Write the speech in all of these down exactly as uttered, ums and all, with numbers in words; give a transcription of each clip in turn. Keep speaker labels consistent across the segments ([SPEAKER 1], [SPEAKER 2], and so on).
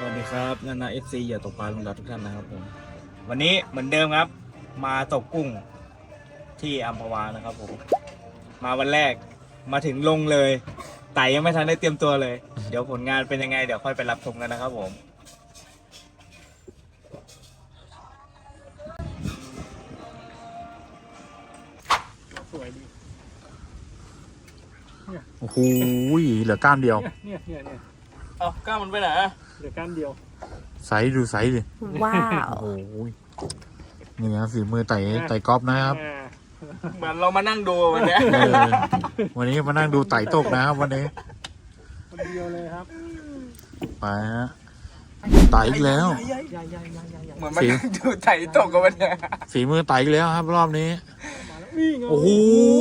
[SPEAKER 1] วัสดีครับนานาเอฟซีอย่าตกปลาลงดาวทุกท่านนะครับผมวันนี้เหมือนเดิมครับมาตกกุ้งที่อัมพวานะครับผมมาวันแรกมาถึงลงเลยไต่ยังไม่ทันได้เตรียมตัวเลยเดี๋ยวผลงานเป็นยังไงเดี๋ยวค่อยไปรับชมกันนะครับผม
[SPEAKER 2] สวยดี
[SPEAKER 3] โอ้โหเหลือก้ามเดียว
[SPEAKER 2] เนี่ยเนี่ยเนี่ย
[SPEAKER 1] เอาก้ามันไปไหน
[SPEAKER 2] เหลือก้านเดียว
[SPEAKER 3] ไซส์ดูไซส์ดิ
[SPEAKER 4] ว้าว
[SPEAKER 3] โอ้โหนี่นะฝีมือไต่ไต่กอล์ฟนะครับ
[SPEAKER 2] อ่า
[SPEAKER 1] เหมือนเรามานั่งดูวันนี้
[SPEAKER 3] เออวันนี้มานั่งดูไต่ตกนะครับวันนี้
[SPEAKER 2] คนเดียวเลยครับ
[SPEAKER 3] ไปฮะไต่อีกแล้ว
[SPEAKER 2] ใหญ่ใหญ่ใหญ่ใหญ่ใหญ่ใหญ่
[SPEAKER 1] เหมือนมานั่งดูไต่ตกกันวันนี้
[SPEAKER 3] ฝีมือไต่อีกแล้วครับ รอบนี้
[SPEAKER 2] มาแล้วนี่ไง
[SPEAKER 3] โอ้โห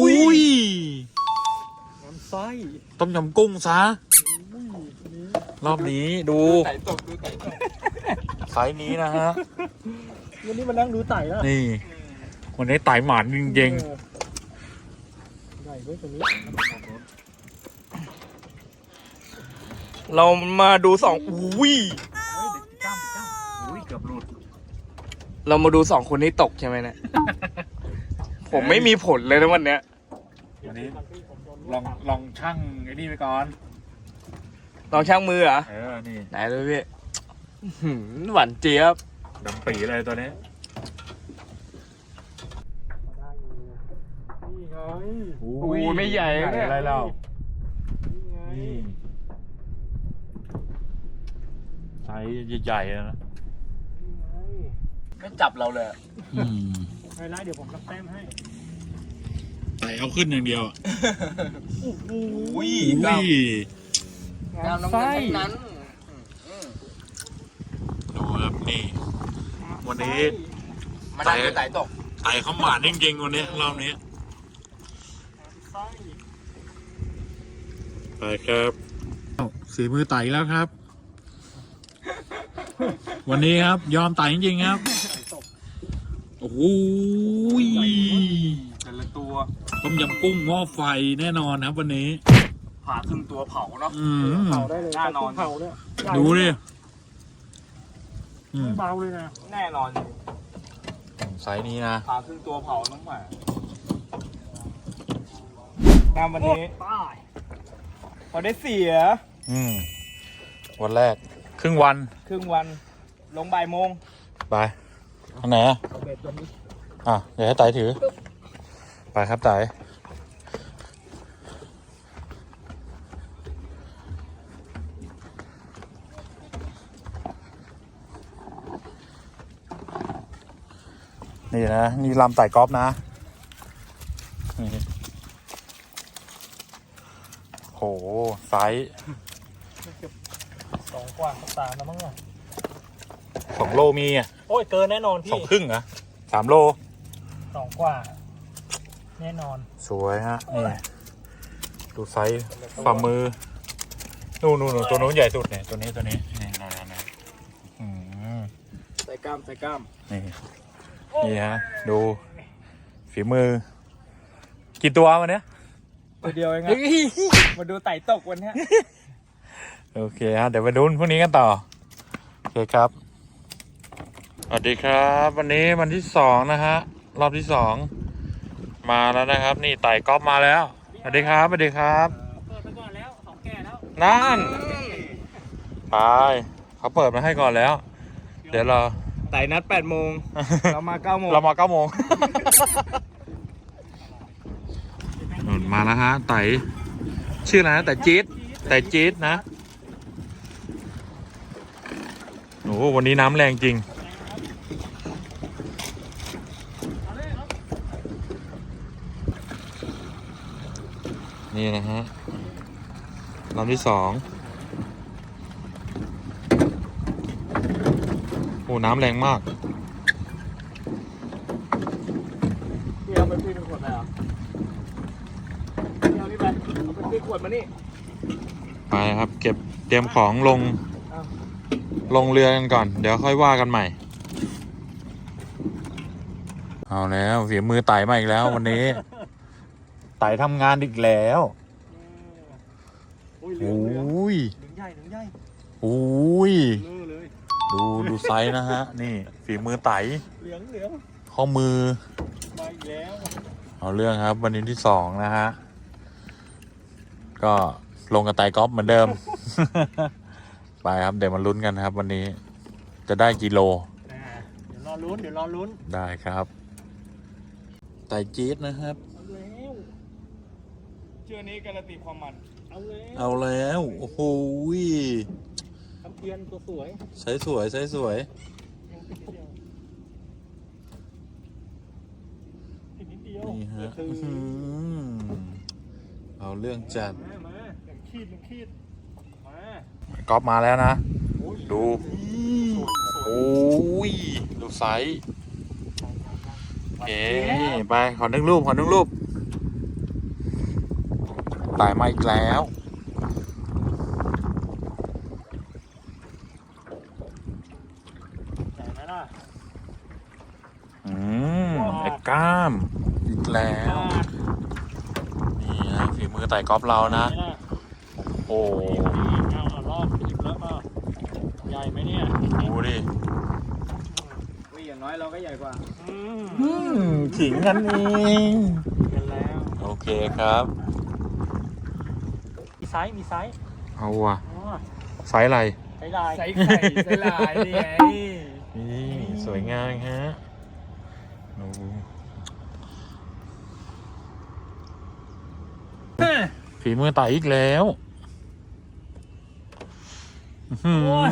[SPEAKER 2] น้ำไส้
[SPEAKER 3] ต้มยำกุ้งซะ
[SPEAKER 2] อุ้ยนี่
[SPEAKER 3] รอบนี้ดู
[SPEAKER 1] ไต่ตกดูไต่ตก
[SPEAKER 3] ไซส์นี้นะฮะ
[SPEAKER 2] วันนี้มานั่งดูไต่แล้ว
[SPEAKER 3] นี่วันนี้ไต่หมานจริง
[SPEAKER 2] เออใหญ่ด้วยตัวนี้
[SPEAKER 1] เรามาดูสองอุ้ย
[SPEAKER 3] ๆก้ามก้ามอุ้ยเกือบหลุด
[SPEAKER 1] เรามาดูสองคนนี้ตกใช่ไหมเนี่ย ผมไม่มีผลเลยนะวันเนี้ย
[SPEAKER 3] วันนี้ลองลองช่างไอ้นี่ไปก่อน
[SPEAKER 1] ลองช่างมือเหรอ
[SPEAKER 3] เออนี่
[SPEAKER 1] ไหนดูพี่อื้อหือหวานเจี๊ยบ
[SPEAKER 3] ดำปีเลยตัวนี้
[SPEAKER 2] ได้อยู่นี่ไง
[SPEAKER 1] อุ้ยไม่ใหญ่นะเนี่ย
[SPEAKER 3] อะไรเล่า
[SPEAKER 2] นี่ไง
[SPEAKER 3] นี่ไซส์ใหญ่ๆนะ
[SPEAKER 2] นี่ไง
[SPEAKER 1] ไม่จับเราเลยอะ
[SPEAKER 3] อืม
[SPEAKER 2] ไฮไลท์เดี๋ยวผมรับแต้มให้
[SPEAKER 3] ไต่เอาขึ้นอย่างเดียว
[SPEAKER 2] โอ้โห
[SPEAKER 1] อุ้ย
[SPEAKER 3] อุ้
[SPEAKER 1] กล้าม
[SPEAKER 3] ย
[SPEAKER 1] กล้ามน้ำ
[SPEAKER 2] ไส้
[SPEAKER 1] เงินทั้งนั้น
[SPEAKER 3] ดูครับนี่ วันนี้
[SPEAKER 1] มานั่งดูไต่ตก
[SPEAKER 3] ไต่เขาหมาดจริงๆวันนี้รอบนี้
[SPEAKER 2] ไส้
[SPEAKER 3] ไปครับสีมือไต่แล้วครับ วันนี้ครับ ยอมไต่จริงๆครับ
[SPEAKER 2] ไต่ตก
[SPEAKER 3] โอ้โห
[SPEAKER 1] แต่ละตัว
[SPEAKER 3] ต้มยำกุ้งหม้อไฟแน่นอนครับวันนี้
[SPEAKER 1] ผ่าครึ่งตัวเผาเนาะ
[SPEAKER 3] อืม
[SPEAKER 2] เผาได้เลย
[SPEAKER 1] น่านอน
[SPEAKER 2] เผาเนี่ย
[SPEAKER 3] ดูดิอืม
[SPEAKER 2] ไม่เบาเลยนะ
[SPEAKER 1] แน่นอน
[SPEAKER 3] ไซส์นี้นะ
[SPEAKER 1] ผ่าครึ่งตัวเผาน้องหมาตามวันนี้
[SPEAKER 2] ป้าย
[SPEAKER 1] พอได้เสีย
[SPEAKER 3] อืมวันแรก ครึ่งวัน
[SPEAKER 1] ครึ่งวันลงบ่ายโมง
[SPEAKER 3] ไปอันไหนอ่ะ
[SPEAKER 2] เอาเบ็ดตัวนี้
[SPEAKER 3] อ่ะ เดี๋ยวให้ไต่ถือ ไปครับไต่นี่นะ นี่ลำไต่กอล์ฟนะนี่โห ไซส์
[SPEAKER 2] สองกว่าสามแล้วมั้งอ่ะ
[SPEAKER 3] สองโลมีอ่ะ
[SPEAKER 2] โอ้ยเกินแน่นอนพี่
[SPEAKER 3] สองครึ่งเหรอสามโล
[SPEAKER 2] สองกว่า แน่นอน
[SPEAKER 3] สวยฮะ นี่ ดูไซส์ฝ่ามือ นู่นนู่นนู่นตัวนู้นใหญ่สุดเนี่ย ตัวนี้ตัวนี้ นี่นั่นนั่นนั่นอืม
[SPEAKER 1] ใส่กล้ามใส่กล้าม
[SPEAKER 3] นี่ นี่ฮะ ดู ฝีมือ กี่ตัววันเนี้ย
[SPEAKER 1] ตัวเดียวเองอะมาดูไต่ตกวันเนี้ย
[SPEAKER 3] โอเคฮะ เดี๋ยวไปดูพรุ่งนี้กันต่อ โอเคครับ สวัสดีครับ วันนี้วันที่สองนะฮะ รอบที่สอง มาแล้วนะครับ นี่ไต่กอล์ฟมาแล้ว สวัสดีครับ สวัสดีครับ
[SPEAKER 2] เปิดไปก่อนแล้วสองแก่แล้ว
[SPEAKER 3] นั่น ไป เขาเปิดมาให้ก่อนแล้ว เดี๋ยวเรา
[SPEAKER 1] ไต่นัดแปดโมงเรามาเก้าโมง
[SPEAKER 3] เรามาเก้าโมง มาแล้วฮะ ไต่ ชื่ออะไรนะไต่จี๊ดไต่จี๊ดนะ โอ้โหวันนี้น้ำแรงจริง นี่นะฮะลำที่สองโอ้น้ำแรงมาก
[SPEAKER 1] พี่เอาไปพี่เป็นขวดเลยเหรอพี่เอานี่ไปเอาไปพี่ขวดมานี่
[SPEAKER 3] ไปครับ เก็บเตรียมของลง ลงเรือกันก่อน เดี๋ยวค่อยว่ากันใหม่ เอาแล้วเสียมือไต่มาอีกแล้ววันนี้ ไต่ทำงานอีกแล้ว
[SPEAKER 2] โอ้ยเห
[SPEAKER 3] โอ
[SPEAKER 2] ลืองเหลือง้
[SPEAKER 3] ย
[SPEAKER 2] เหลืองใหญ่เหลืองใหญ่
[SPEAKER 3] อุ้ย
[SPEAKER 2] เลื่อเลย
[SPEAKER 3] ดูดูไซส์นะฮะ นี่ฝีมือไต
[SPEAKER 2] เหลืองเหลือง
[SPEAKER 3] ข้อมือ
[SPEAKER 2] มาอีกแล้ว
[SPEAKER 3] เอาเรื่องครับ วันนี้ที่สองนะฮะ ก็ลงกับไตกอล์ฟเหมือนเดิม ไปครับ เดี๋ยวมาลุ้นกันครับ วันนี้จะได้กิโล
[SPEAKER 2] อ่าเดี๋ยวรอลุ้นเดี๋ยวรอลุ้น
[SPEAKER 3] ได้ครับ ไตจี๊ดนะครับ
[SPEAKER 2] เอาแล้ว
[SPEAKER 1] เชื่อนี้การันตีความมัน
[SPEAKER 2] เอาแล้ว
[SPEAKER 3] เอาแล้ว โอ้โห
[SPEAKER 2] ทำเทียนตัวสวย
[SPEAKER 3] ใช้สวยใช้สวย
[SPEAKER 2] ยังติดนิดเดียวติดนิดเดียว
[SPEAKER 3] นี่ฮะ
[SPEAKER 2] คือ
[SPEAKER 3] อื้อหือเอาเรื่องจัด
[SPEAKER 2] มามาหนึ่งขีดหนึ่งขีดมา
[SPEAKER 3] ก๊อฟมาแล้วนะ
[SPEAKER 2] โอ้ย
[SPEAKER 3] ดู
[SPEAKER 2] สวยสวย
[SPEAKER 3] โอ้ย ดูไซส์โอเคไป ขอหนึ่งรูป ขอหนึ่งรูป ตายมาอีกแล้ว
[SPEAKER 2] ใหญ่ไหมล่ะ
[SPEAKER 3] อืมไอ้กล้าม อีกแล้ว นี่นะฝีมือไต่กอล์ฟเรานะ
[SPEAKER 2] ใหญ่ไหมล่
[SPEAKER 3] โอ้โห
[SPEAKER 2] เอาเอารอบหยิบแล้วมาใหญ่ไหมเนี่ย
[SPEAKER 3] ดูดิ
[SPEAKER 1] วิ่งอย่างน้อยเราก็ใหญ่กว่า
[SPEAKER 2] อืม
[SPEAKER 3] อืมขิงกันเอง
[SPEAKER 2] กันแล้ว
[SPEAKER 3] โอเคครับ
[SPEAKER 2] มีไซส์มีไซส์
[SPEAKER 3] เอาว่ะ
[SPEAKER 2] อ๋อ
[SPEAKER 3] ไซส์อะไร
[SPEAKER 2] ไซส์ลาย
[SPEAKER 1] ใส่ไข่ใส่ลายนี่ไง
[SPEAKER 3] นี่สวยงามฮะดูฝีมือไต่อีกแล้วอื้อหือ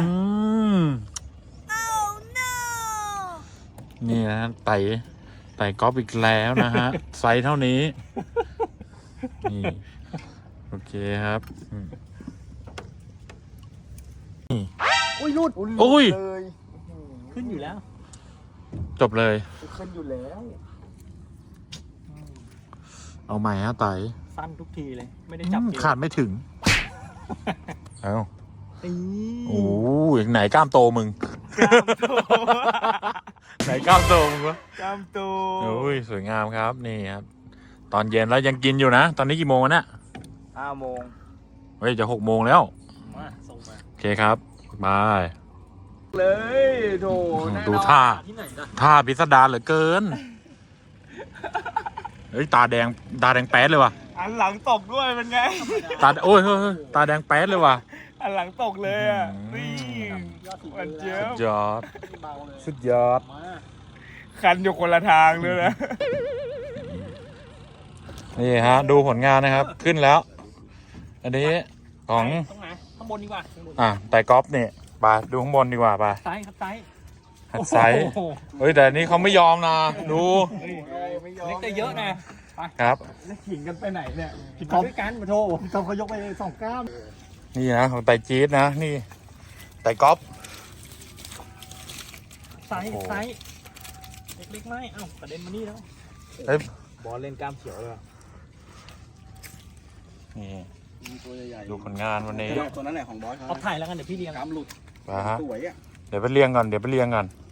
[SPEAKER 3] นี่นะไต่ไต่กอล์ฟอีกแล้วนะฮะ ไซส์เท่านี้ นี่ โอเคครับอืม
[SPEAKER 1] อุ้ยรุด
[SPEAKER 3] โอ้ย
[SPEAKER 1] เลย
[SPEAKER 2] ขึ้นอยู่แล้ว
[SPEAKER 3] จบเลย
[SPEAKER 1] ขึ้นอยู่แล้ว
[SPEAKER 3] เอาใหม่ฮะไต่
[SPEAKER 2] สั้นทุกทีเลย ไม่ได้จับ
[SPEAKER 3] อืม
[SPEAKER 2] เกี่ยว
[SPEAKER 3] ขาดไม่ถึง เอา
[SPEAKER 2] อี
[SPEAKER 3] โอ้ยไหนกล้ามโตมึง
[SPEAKER 1] กล้ามโต
[SPEAKER 3] ไหนกล้ามโตมึงวะ
[SPEAKER 1] กล้ามโต
[SPEAKER 3] โอ้ยสวยงามครับนี่ครับ ตอนเย็นแล้วยังกินอยู่นะ ตอนนี้กี่โมงแล้วเนี่ย
[SPEAKER 1] ห้าโมง
[SPEAKER 3] เฮ้ยจะหกโมงแล้ว
[SPEAKER 2] มาส่งมา
[SPEAKER 3] โอเคครับบาย
[SPEAKER 1] เลยโถแน่นอน
[SPEAKER 3] ดูท่า
[SPEAKER 2] ที่ไหนล่ะ
[SPEAKER 3] ท่าพิสดารเหลือเกิน เฮ้ยตาแดงตาแดงแป๊ดเลยว่ะ
[SPEAKER 1] อันหลังตกด้วยเป็นไง
[SPEAKER 3] ตาโอ้ยเฮ้ยเฮ้ยตาแดงแป๊ดเลยว่ะ
[SPEAKER 1] อันหลังตกเลยอ่ะ
[SPEAKER 3] อืม
[SPEAKER 1] นี่
[SPEAKER 2] ยอดสี
[SPEAKER 1] มันเจี๊ย
[SPEAKER 3] สุ
[SPEAKER 1] บ
[SPEAKER 3] ดยอด
[SPEAKER 2] เบาเลย
[SPEAKER 3] สุดยอด
[SPEAKER 2] มา
[SPEAKER 1] คันอยู่คนละทางเลยนะ
[SPEAKER 3] นี่ฮะ ดูผลงานนะครับ ขึ้นแล้ว อันนี้ของ
[SPEAKER 2] ตรงไหนข้างบนดีกว่าข้างบน
[SPEAKER 3] อ่ะไต่กอล์ฟเนี่ยไปดูข้างบนดีกว่าไป
[SPEAKER 2] ซ้ายครับซ้าย
[SPEAKER 3] หัดไซส์
[SPEAKER 2] โอ้โห
[SPEAKER 3] เฮ้ยแต่อันนี้เขาไม่ยอมนะ ดู
[SPEAKER 1] ไม่ยอม
[SPEAKER 2] เล็กแต่เยอะนะ
[SPEAKER 3] ครับ
[SPEAKER 1] แล้วขิงกันไปไหนเนี่ย
[SPEAKER 2] พี่กอล์ฟด้วยกันมาโทรพี่กอล์ฟเขายกไปสองก้าม
[SPEAKER 3] นี่นะของไต่จี๊ดนะ นี่ไต่กอล์ฟ
[SPEAKER 2] ซ้าย
[SPEAKER 3] โอ้โห
[SPEAKER 2] ซ้ายเล็กๆไม่เอ้ากระเด็นมานี่แล้ว
[SPEAKER 3] เอ้ย
[SPEAKER 1] บอลเล่นกล้ามเขียวเลย
[SPEAKER 3] นี่
[SPEAKER 1] ตัวใหญ่
[SPEAKER 3] ดูผลงานวันนี้
[SPEAKER 1] ตัวนั้นแหละของบอส
[SPEAKER 2] เอาถ่ายแล้วกันเดี๋ยวพี่เลี้ยง
[SPEAKER 1] กล้ามหลุด
[SPEAKER 3] ไปฮะ
[SPEAKER 1] สวยอ่ะ
[SPEAKER 3] เดี๋ยวไปเรียงก่อน เดี๋ยวไปเรียงก่อน
[SPEAKER 2] เ